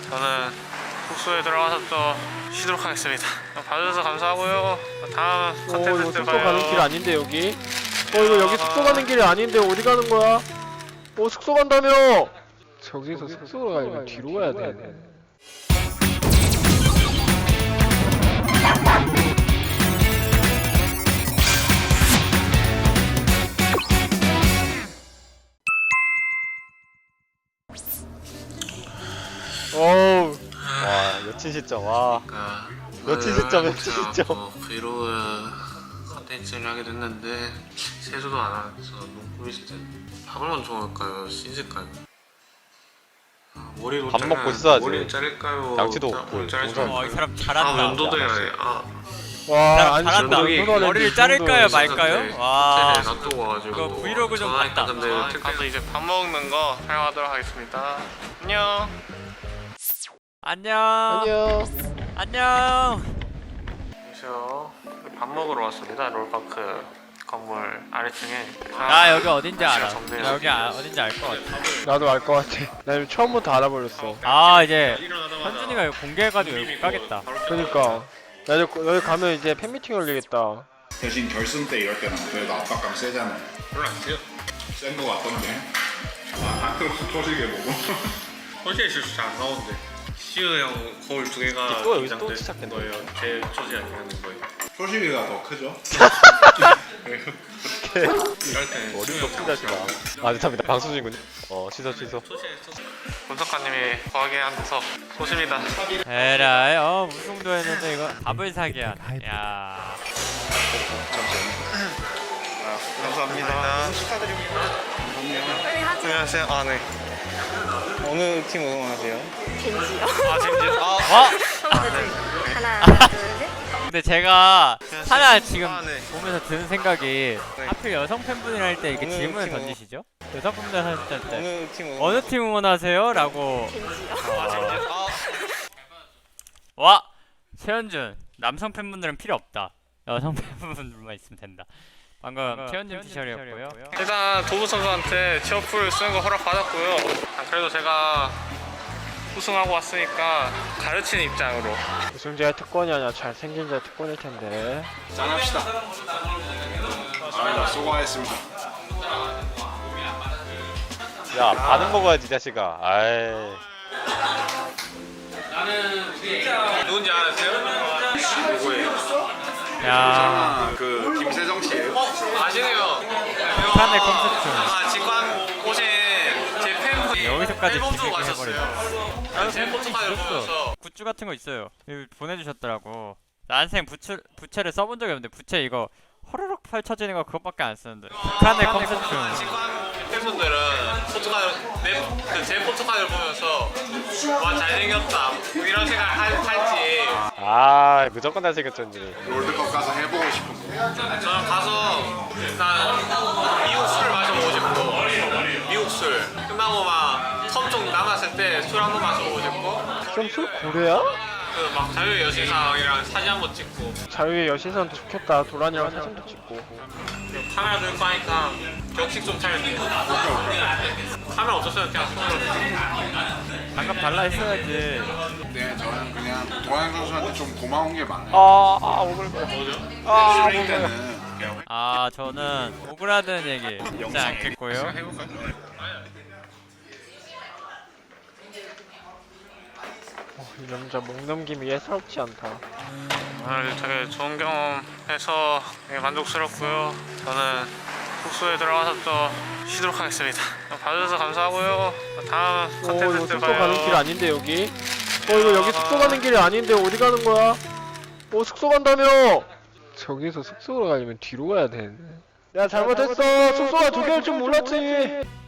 저는 숙소에 들어가서 또 쉬도록 하겠습니다. 봐주셔서 감사하고요. 다음 컨텐츠 때 숙소 봐요. 가는 길 아닌데 여기? 이거 여기 숙소 가는 길이 아닌데 어디 가는 거야? 숙소 간다며! 저기서 숙소로 가려면 뒤로 가야 돼. 어우. 와, 여친 시점. 와. 여친 시점, 여친 시점. 브이로그 컨텐츠를 하게 됐는데 세수도 안 해서 너무 꾸미실 때 밥을 먼저 먹을까요? 씻을까요? 머리로 밥 먹고 있어야지. 머리를 자를까요? 양치도 없고. 이 사람 잘한다. 면도도 해야 돼. 와, 아니 잘한다. 저기 머리를 자를까요 말까요? 와. 호텔에 놔두고 와가지고 이거 브이로그 좀 봤다. 근데 가서 이제 밥 먹는 거 촬영하도록 하겠습니다. 안녕. 안녕. 안녕. 안녕. 안녕하세요. 밥 먹으러 왔습니다. 롤파크 건물 아래층에. 나 여기 어딘지 알아. 정리해서 나 여기 어딘지 알 것 같아. 나도 알 것 같아. 나 이거 처음부터 알아버렸어. 아 이제 현준이가 이거 공개해가지고 여기 못 가겠다. 그니까. 나 여기 가면 이제 팬미팅 열리겠다. 대신 결승 때 이럴 때는 그래도 압박감 세잖아요. 별로 안 돼요. 센 거 같던데. 아, 그럼 소식에 보고. 어제 실수 잘 안 나오는데. 시우 형 거울 두 개가 또 여기서 또 긴장된 시작했네. 거예요. 제 소지 아니라는 거예요. 소식이가 더 크죠? 이럴 때는 어림도 풀자시다. 아, 죄송합니다. 방송 중이군요. 취소. 분석가님이 거하게 한 데서 소심이다. 에라이 우승도 했는데 이거 밥을 사기야. 야. 감사합니다. 축하드립니다. 안녕하세요. 아 네. 어느 팀 응원하세요? 겐지요. 아 젠지. 하나, 둘, 셋. 근데 제가 하나 안녕하세요. 지금 아, 네. 보면서 드는 생각이 네. 하필 여성 팬분이랑 할 때 이렇게 어느 질문을 팀 던지시죠? 여성 팬분들 할 때 어느 팀 어느 팀 응원하세요? 라고. 겐지요. 아 젠지. 와! 최현준 남성 팬분들은 필요 없다. 여성 팬분들만 있으면 된다. 방금 최현준 피셜이었고요. 일단 도부 선수한테 취업풀 쓰는 거 허락 받았고요. 그래도 제가 우승하고 왔으니까 가르치는 입장으로. 우승자의 특권이 아니라 잘생긴 자의 특권일 텐데. 짠합시다. 아, 수고하셨습니다. 야, 반은 먹어야지, 이 자식아. 아이. 누군지 아세요? 누구예요? 야, 그 김세정 씨예요? 아시네요. 북한의 콘서트. 아 직관 오신 제 팬분이 여기서까지 앨범도 비비기 가셨어요. 제 포토카드를 보면서 굿즈 같은 거 있어요. 이거 보내주셨더라고. 난생 부채를 써본 적이 없는데 부채 이거 허르륵 펼쳐지는 거 그것밖에 안 쓰는데. 북한의 콘서트. 직관 팬분들은 제 포토카드를 보면서 와 잘생겼다 뭐 이런 생각을 할지 아, 무조건 잘생겼지. 롤드컵 가서 해보고 싶은 거. 저는 가서 일단 미국 술을 마셔보고 싶고 미국 술 끝나고 막 텀 좀 남았을 때 술 한 번 마셔보고 싶고 점술 고래야? 그 막 자유의 여신상이랑 사진 한 번 찍고 자유의 여신선 좋겠다. 도란이랑 사진도 찍고. 카메라 들고 하니까 격식 좀 차리고 카메라 없었어요 그냥 손으로 방금 달라 했어야지. 네, 저는 그냥 도환 선수한테 좀 고마운 게 많아요. 오글. 스프링 때는 그냥 아 저는 오그라드는 얘기 듣지 않겠고요. 해볼까요? 이 남자 목 넘김이 예사롭지 않다. 오늘 되게 좋은 경험해서 되게 만족스럽고요. 저는 숙소에 들어가서 또 쉬도록 하겠습니다. 봐주셔서 감사하고요. 다음 이거 컨텐츠 때 숙소 봐요. 가는 길 아닌데 여기? 이거 여기 숙소 가는 길이 아닌데 어디 가는 거야? 숙소 간다며! 저기서 숙소로 가려면 뒤로 가야 되는데. 야, 잘못했어. 숙소가 두 개일 줄 몰랐지.